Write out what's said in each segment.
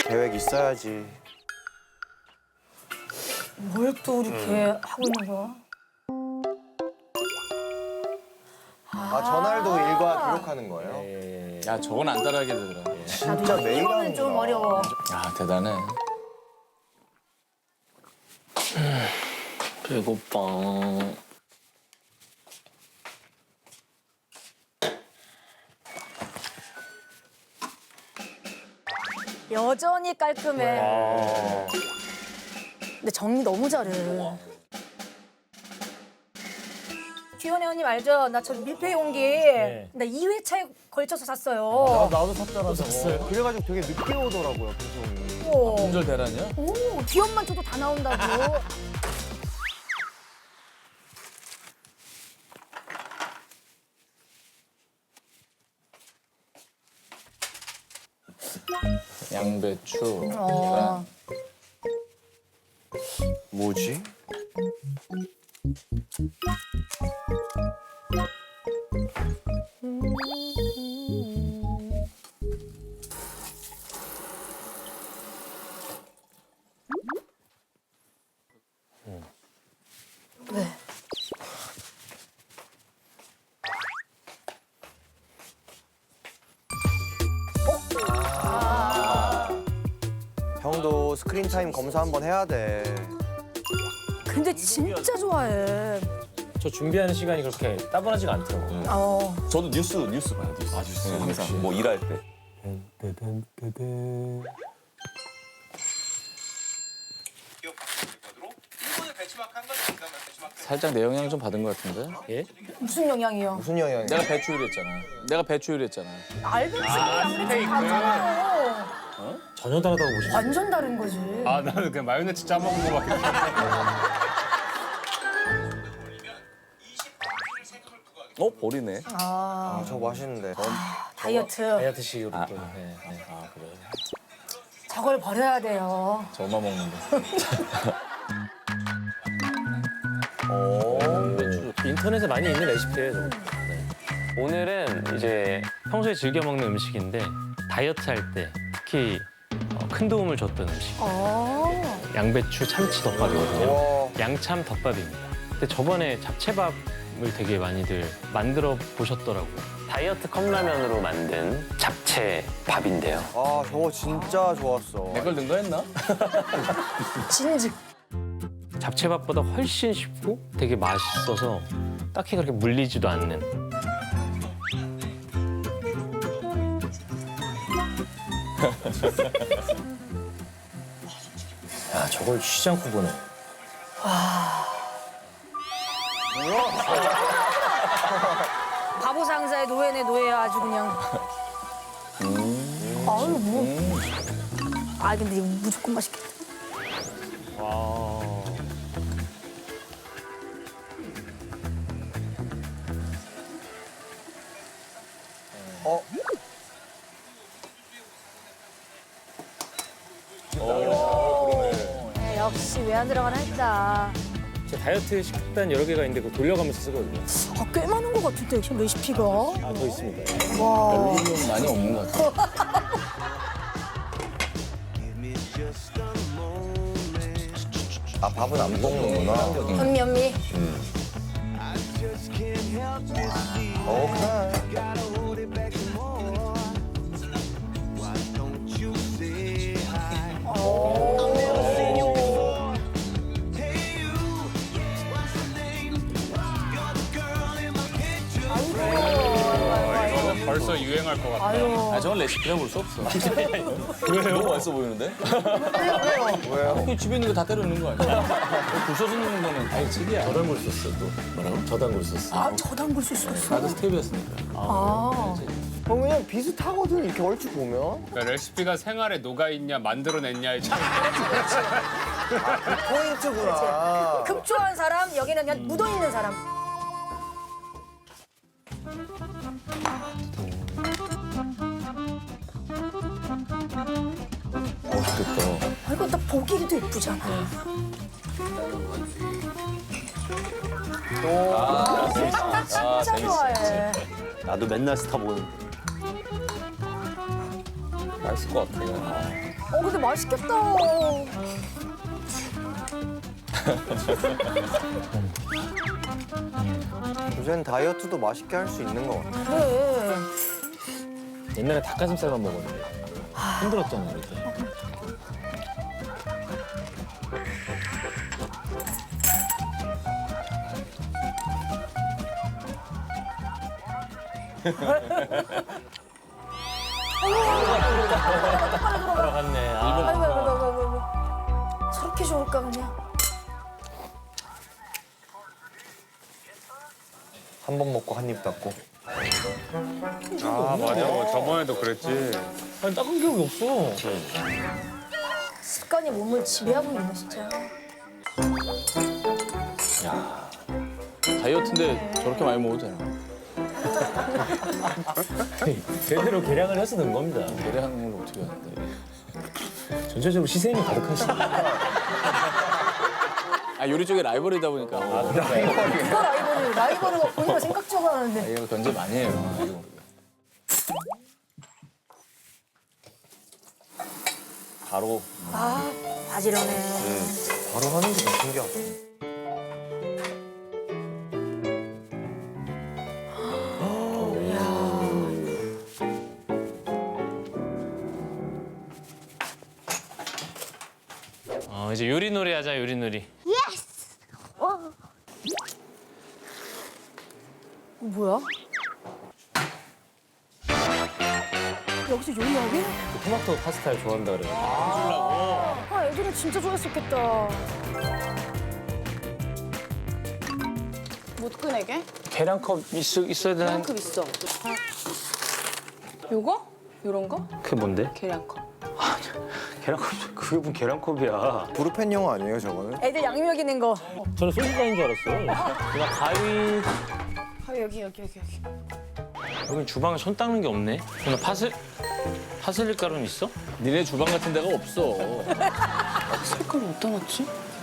계획 있어야지. 뭘 또 이렇게 하고 있는 거야? 아, 전날도 일과 기록하는 거예요? 야, 저건 안 따라하게 되더라. 진짜 매일 이거는 하는 좀 거야. 어려워. 야, 대단해. 배고파. 여전히 깔끔해. 근데 정리 너무 잘해. 규현이 언니 알죠? 나 저 밀폐 용기 나 2회차에 걸쳐서 샀어요. 나도 샀잖아, 저거. 그래가지고 되게 늦게 오더라고요, 배송이. 오, 품절 대란이야? 귀엽만 줘도 다 나온다고. 양배추. 어. 뭐지? 왜? 형도 스크린 타임 검사 한번 해야 돼. 근데 진짜 좋아해. 저 준비하는 시간이 그렇게 따분하지가 않더라고요. 어. 저도 뉴스 봐요. 뉴스. 항상 뭐 일할 때. 살짝 내 영향 좀 받은 것 같은데? 예? 무슨 영향이요? 무슨 영향이야? 내가 배추 요리했잖아. 내가 배추 요리했잖아. 알배추, 양배추 다잖아요. 전혀 다르다고 보시죠. 완전 다른 거지. 아 나는 그냥 마요네즈 짜먹은 거밖에 버리네. 아, 아, 저거 맛있는데. 다이어트. 다이어트식으로 또. 네, 네. 아, 그래. 저걸 버려야 돼요. 저만 먹는데. 인터넷에 많이 있는 레시피예요, 저거. 네. 오늘은 이제 평소에 즐겨 먹는 음식인데 다이어트 할 때 특히 큰 도움을 줬던 음식. 어. 양배추 참치 덮밥이거든요. 와, 양참 덮밥입니다. 근데 저번에 잡채밥을 되게 많이들 만들어 보셨더라고요. 다이어트 컵라면으로 만든 잡채 밥인데요. 아, 저거 진짜 좋았어. 내 걸 넣은 거 했나? 진즉. 잡채밥보다 훨씬 쉽고 되게 맛있어서 딱히 그렇게 물리지도 않는. 야, 저걸 쉬지 않고 보네. 바보 상사의 노예네 노예야 아주 그냥. 아유 뭐. 아 근데 이거 무조건 맛있겠다. 어? 역시 왜 안 들어가나 했다. 제 다이어트 식단 여러 개가 있는데 그거 돌려가면서 쓰거든요. 꽤 많은 것 같은데 지금 레시피가. 아, 더 있습니다. 와. 좀 많이 없는 것 같아. 아, 밥은 안 먹는구나. 현미 현미. 오케이. 벌써 유행할 것 같아. 아유. 아, 저건 레시피라 볼 수 없어. 너무 맛있어 보이는데? 왜요? 그 집에 있는 거 다 때려 넣는 거 아니야? 부셔서 넣는 거는 다이집이야. 저당골 소스 또. 뭐라고? 저당골 소스. 아 저당글 수 있었어. 나도 스텝이었으니까. 아. 형 그냥 비슷하거든, 이렇게 얼추 보면. 그러니까 레시피가 생활에 녹아있냐 만들어냈냐의 차이. 포인트구나. 급조한 사람 여기는 그냥 묻어 있는 사람. 맛있겠다. 아 이거 딱 보기에도 예쁘잖아. 나 진짜 좋아해. 나도 맨날 스타 보는데. 맛있을 것 같아. 근데 맛있겠다. 요새는 다이어트도 맛있게 할 수 있는 것 같아. 그래. 옛날에 닭가슴살만 먹었는데 힘들었잖아 그때. 들어갔네. 아, 아이고. 저렇게 좋을까 그냥. 한 번 먹고 한 입 닫고. 아 맞아. 저번에도 그랬지. 아니 닦은 기억이 없어. 습관이 몸을 지배하고 있네 진짜. 다이어트인데 저렇게 많이 먹어도 되나? 제대로 계량을 해서 는 겁니다. 계량하는 걸 어떻게 하는데? 전체적으로 시샘이 가득하시네. 아 요리 쪽에 라이벌이다 보니까. 누가 라이벌을 막 본인가 생각적으로 하는데. 이거 견제 많이 해요. 이거. 바로 바지런해. 바로 하는 게 더 신기하다. 이제 요리놀이 하자, 요리놀이. 뭐야? 여기서 요리하게? 토마토 파스타를 좋아한다 그래요. 아 애들은 진짜 좋아했었겠다. 못 꺼내게? 계량컵 있어야 되는. 계량컵 있어. 요거? 요런 거? 그게 뭔데? 계량컵. 계량컵. 그게 무슨 계량컵이야. 브루펜 영어 아니에요, 저거는? 애들 양념 있는 거. 저는 소주잔인 줄 알았어요. 그냥 가위. 아 여기. 여기 주방에 손 닦는 게 없네. 그냥 파슬리 가루는 있어? 니네 주방 같은 데가 없어. 색깔 어디다 놨지?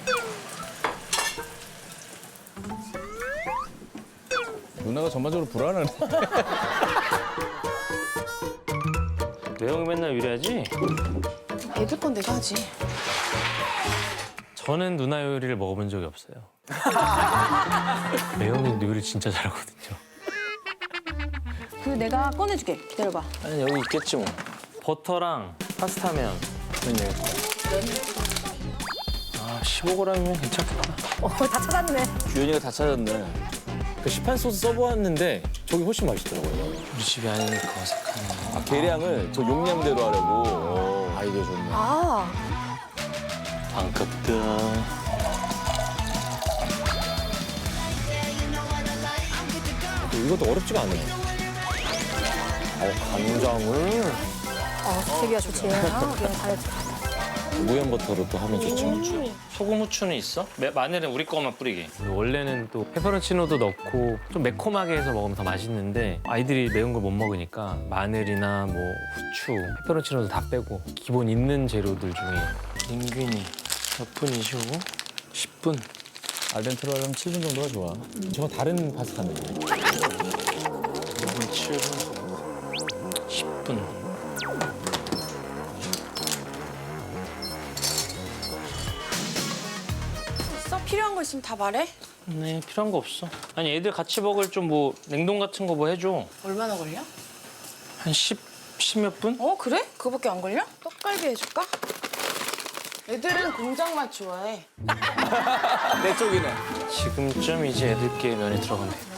누나가 전반적으로 불안하네. 매형이 맨날 요리하지? 애들 건 내가 하지. 저는 누나 요리를 먹어본 적이 없어요. 매형이 요리 진짜 잘하거든요. 그 내가 꺼내줄게. 기다려봐. 아니 여기 있겠지 뭐. 버터랑 파스타면 면 여기 있어. 아 15g이면 괜찮겠다. 다 찾았네. 주연이가 다 찾았네. 그 시판 소스 써보았는데 저기 훨씬 맛있더라고요. 우리 집이 아니니까 어색하네. 아, 계량을 저 용량대로 하려고. 아이디어 좋네. 아 반갑다. 이것도 어렵지가 않아요. 간장을. 되게 좋지. 그냥 다이어트. 무염 버터로 또 하면 좋죠. 소금 후추는 있어? 마늘은 우리 거만 뿌리게. 원래는 또 페퍼론치노도 넣고 좀 매콤하게 해서 먹으면 더 맛있는데 아이들이 매운 걸 못 먹으니까 마늘이나 뭐 후추, 페퍼론치노도 다 빼고 기본 있는 재료들 중에 인균이 몇 분이시고 10분. 알덴테로 하려면 7분 정도가 좋아. 저건 다른 파스타네. 7분, 10분. 있어? 필요한 거 있으면 다 말해. 네, 필요한 거 없어. 아니 애들 같이 먹을 좀 뭐 냉동 같은 거 뭐 해줘. 얼마나 걸려? 한 10몇 분? 어 그래? 그거밖에 안 걸려? 떡갈비 해줄까? 애들은 공장 맛 좋아해. 내 쪽이네. 지금쯤 이제 애들께 면이 들어가면 돼.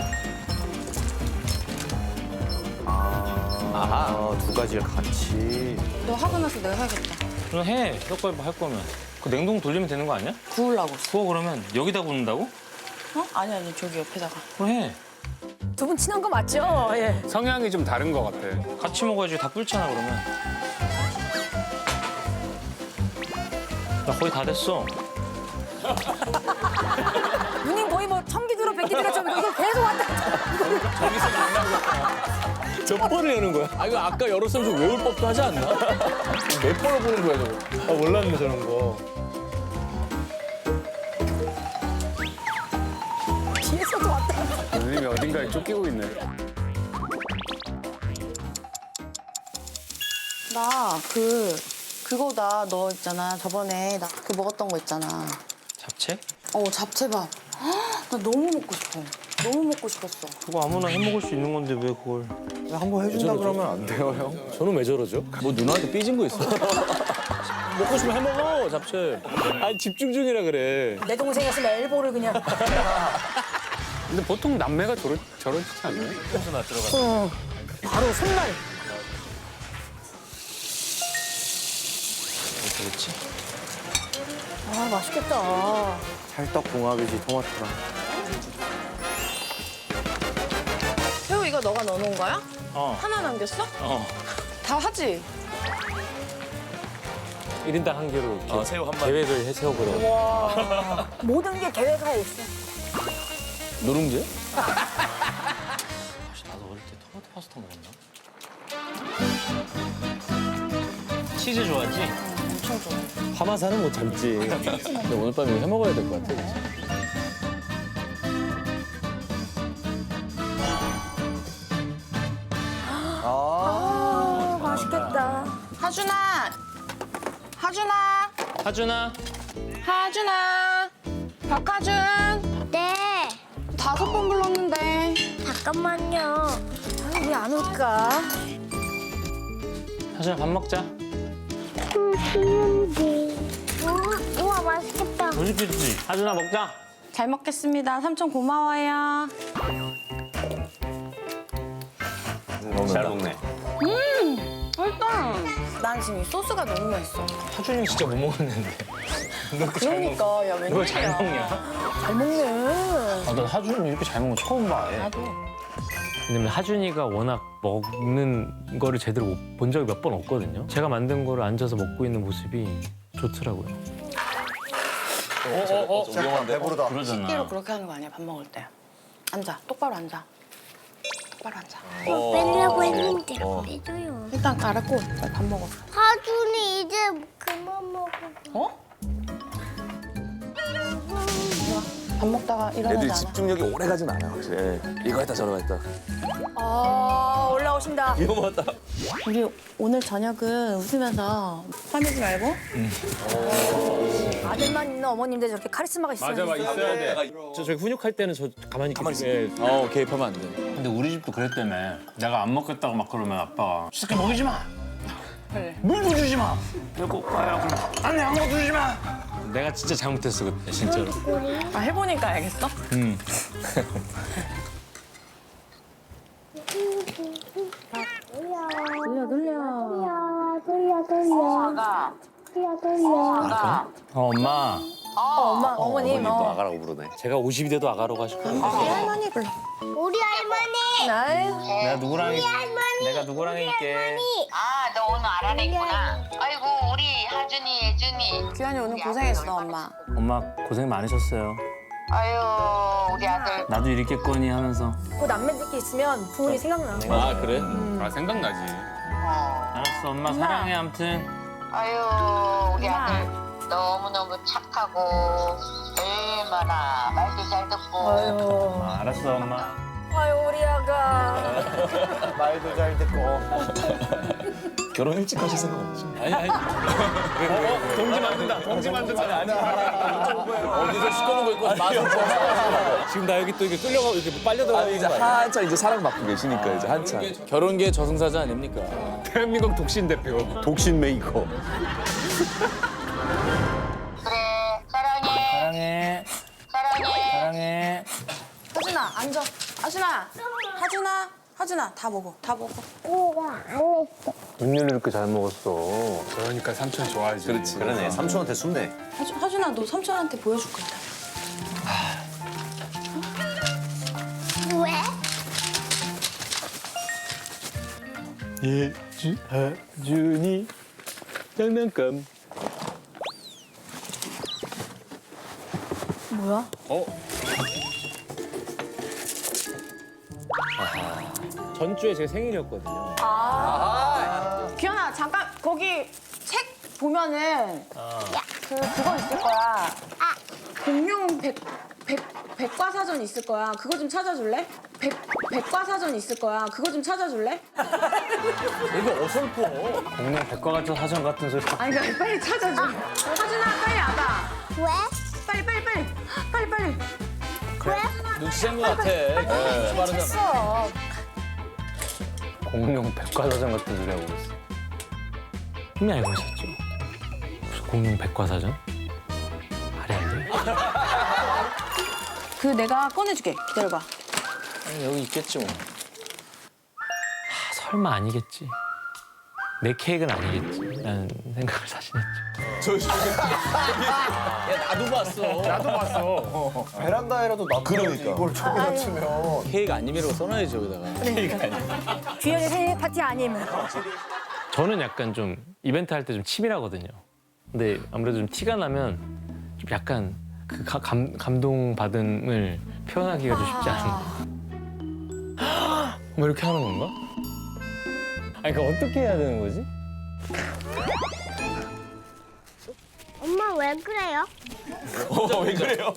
두 가지를 같이. 너 하고 나서 내가 해야겠다. 그럼 해. 떡갈비 할 거면. 그 냉동 돌리면 되는 거 아니야? 구우려고. 구워 그러면 여기다 굽는다고? 어? 아니 저기 옆에다가. 그럼 해. 두 분 친한 거 맞죠? 예. 성향이 좀 다른 것 같아. 같이 먹어야지 다 불잖아 그러면. 나 거의 다 됐어. 누님 거의 뭐 청기두로 백기두로처럼 이거 계속 왔다. 몇 번을 여는 거야? 아 이거 아까 열었으면 좀 외울 법도 하지 않나? 몇 번을 보는 거야 저거. 아, 몰랐네 저런 거. 뒤에서도 왔다. 누님이 어딘가에 쫓기고 있네. 나 그거다. 너 있잖아. 저번에 나 그 먹었던 거 있잖아. 잡채? 잡채밥. 나 너무 먹고 싶어. 너무 먹고 싶었어. 그거 아무나 해 먹을 수 있는 건데 왜 그걸? 한번 해준다 그러면 안 돼요, 형? 저는 왜 저러죠? 뭐 누나한테 삐진 거 있어? 먹고 싶으면 해먹어, 잡채. 아니, 집중 중이라 그래. 내 동생이었으면 엘보를 그냥. 근데 보통 남매가 저러지 않나요? 바로 손날. 그렇지. 아 맛있겠다. 찰떡궁합이지, 토마토랑. 새우 이거 너가 넣어놓은 거야? 어. 하나 남겼어? 어. 다 하지? 1인당 한 개로 이렇게 새우 한 마리. 계획을 세워보려고. 모든 게 계획하에 있어. 누룽지? 나도 어릴 때 토마토 파스타 먹었나? 치즈 좋아하지? 엄청 좋아. 파마사는 못 참지. 근데 오늘 밤에 이거 해먹어야 될 것 같아. 그치? 아 맛있겠다. 하준아! 박하준! 네, 5번 불렀는데. 잠깐만요. 왜 안 올까? 하준아 밥 먹자. 우와, 맛있겠다. 맛있겠지? 하준아 먹자. 잘 먹겠습니다. 삼촌 고마워요. 잘 먹네. 맛있다. 난 지금 이 소스가 너무 맛있어. 하준이 진짜 못 먹었는데. 그러니까 야 그걸 잘 웬일이야. 먹냐? 잘 먹네. 아, 난 하준이 이렇게 잘 먹는 거 처음 봐. 나도. 왜냐면 하준이가 워낙 먹는 거를 제대로 본 적이 몇 번 없거든요. 제가 만든 거를 앉아서 먹고 있는 모습이 좋더라고요. 배부르다. 끼로 그러잖아. 그렇게 하는 거 아니야 밥 먹을 때. 앉아. 똑바로 앉아. 똑바로 앉아. 빼려고 했는데 안 빼줘요. 일단 알았고 빨리 밥 먹어. 하준이 이제 그만 먹어. 어? 밥 먹다가 애들이 일어나지 않아. 집중력이 오래 가진 않아, 확실히. 이거 했다, 저거 했다. 아 올라오신다. 이거 맞다. 우리 오늘 저녁은 웃으면서 화내지 말고. 아들만 있는 어머님들 저렇게 카리스마가 있어요. 맞아, 있어야 돼. 저기 훈육할 때는 저 가만히 있게. 개입하면 안 돼. 근데 우리 집도 그랬다며. 내가 안 먹겠다고 막 그러면 아빠가 시끄 먹이지 마. 그래. 물도 주지 마. 내가 오빠야. 그럼 안돼 아무것도 주지 마. 내가 진짜 잘못했어 그때 진짜로. 아 해보니까 알겠어? 엄마. 어머님. 아가라고 부르네. 제가 50이 돼도 아가라고 하실 거예요. 할머니 불러. 우리 할머니. 아유. 내가 누구랑 내가 누구랑 있게. 아, 너 오늘 알아냈구나. 아이고, 우리 하준이, 예준이. 규현이 오늘 고생했어 엄마. 엄마 고생 많으셨어요. 아유, 우리 아들. 나도 이렇겠거니 하면서. 그 남매들끼리 있으면 부모님 생각나. 아, 그래? 아, 생각나지. 알았어 엄마 사랑해 아무튼. 아유, 우리 아들 너무너무 착하고 얼마나 말도 잘 듣고. 아유. 알았어 엄마. 아유 우리 아가. 말도 잘 듣고. 결혼 일찍 하실 생각 없지? 아니. 동지 만든다. 동지 만든다. 어디서 시꺼먼 거 입고 마서 지금 나 여기 또 이렇게 끌려가고 이렇게 빨려 들어가는 이제 거 아니야? 한참 이제 사랑 받고 계시니까 이제 한참. 결혼계 저승사자 아닙니까? 대한민국 독신 대표. 독신 메이커. 그래, 사랑해. 사랑해. 사랑해. 사랑해. 하준아 앉아. 하준아 다 먹어. 다 먹어. 우와, 안 했어. 눈율을 이렇게 잘 먹었어. 그러니까 삼촌 좋아하지. 그렇지. 그러네. 삼촌한테 순대. 하준아 너 삼촌한테 보여줄 거다. 왜? 하준이 장난감. 뭐야? 전주에 제 생일이었거든요. 규현아 잠깐 거기 책 보면은 그거 있을 거야. 공룡 백과사전 있을 거야. 그거 좀 찾아줄래? 백과사전 있을 거야. 그거 좀 찾아줄래? 이거 어설퍼. 공룡 백과가전 사전 같은 소리. 아니 그러니까 빨리 찾아줘. 하준아 빨리 와봐. 왜? 빨리. 눈치챈 것 같아. 빠르잖아. 했어. 공룡 백과사전 같은 소리 하고 있어. 이미 알고 있었죠. 무슨 공룡 백과사전? 말이 안 돼. 그 내가 꺼내줄게. 기다려봐. 아니, 여기 있겠지 뭐. 설마 아니겠지. 내 케이크는 아니겠지. 라는 생각을 사실 했죠. 야 나도 봤어. 나도 봤어. 베란다에라도 놔둬야지 이걸 저기 놓치면. 케이크 아님이라고 써놔야지 여기다가. 주연이 생일 파티 아니면. 저는 약간 좀 이벤트 할 때 좀 치밀하거든요. 근데 아무래도 좀 티가 나면 좀 약간 그 감동받음을 표현하기가 좀 쉽지 않은. 뭐 이렇게 하는 건가? 아니, 그러니까 어떻게 해야 되는 거지? 엄마 왜 그래요? 왜 그래요?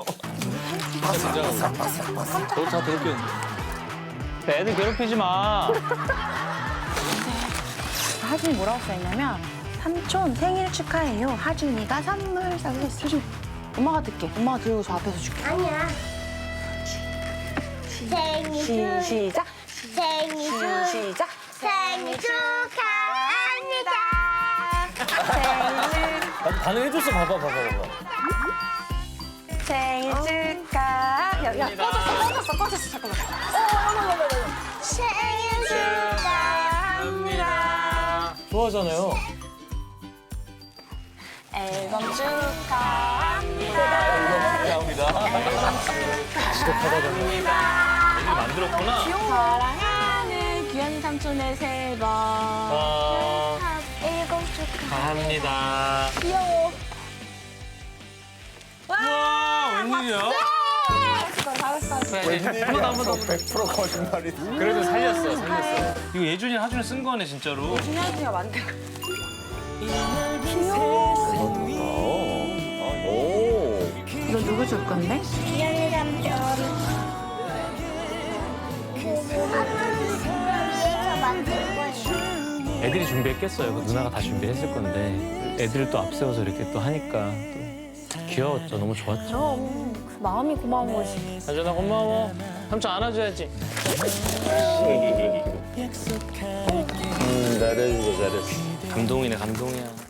너다 그렇게. 애들 괴롭히지 마. 하준이 뭐라고 써있냐면 삼촌 생일 축하해요. 하준이가 선물 사줬어. 하준 엄마가 듣게. 엄마가 들고 저 앞에서 줄게. 아니야. 생일 시작. 생일 축하합니다. 나도 반응해줬어. 봐봐. 생일 축하. 야 꺼졌어. 잠깐만. 생일 축하합니다. 좋아하잖아요. 앨범 축하합니다. 만들었구나. 사랑하는 귀한 삼촌의 새 번. 일곱 감사합니다. 귀여워. 와, 웬일이야? 웬일이야. 100% 거짓말이. 그래도 살렸어. 이거 예준이 하준이 쓴 거네, 진짜로. 준현이가 만든 거. 오. 이거 누구 줄 건데? 귀여운 삼촌. 위에서 만든 거예요. 애들이 준비했겠어요. 그 누나가 다 준비했을 건데 애들을 또 앞세워서 이렇게 또 하니까 또 귀여웠죠. 너무 좋았죠. 그럼 그 마음이 고마운 거지. 하준아 고마워. 삼촌 안아줘야지. 잘해주고 잘했어. 감동이네, 감동이야.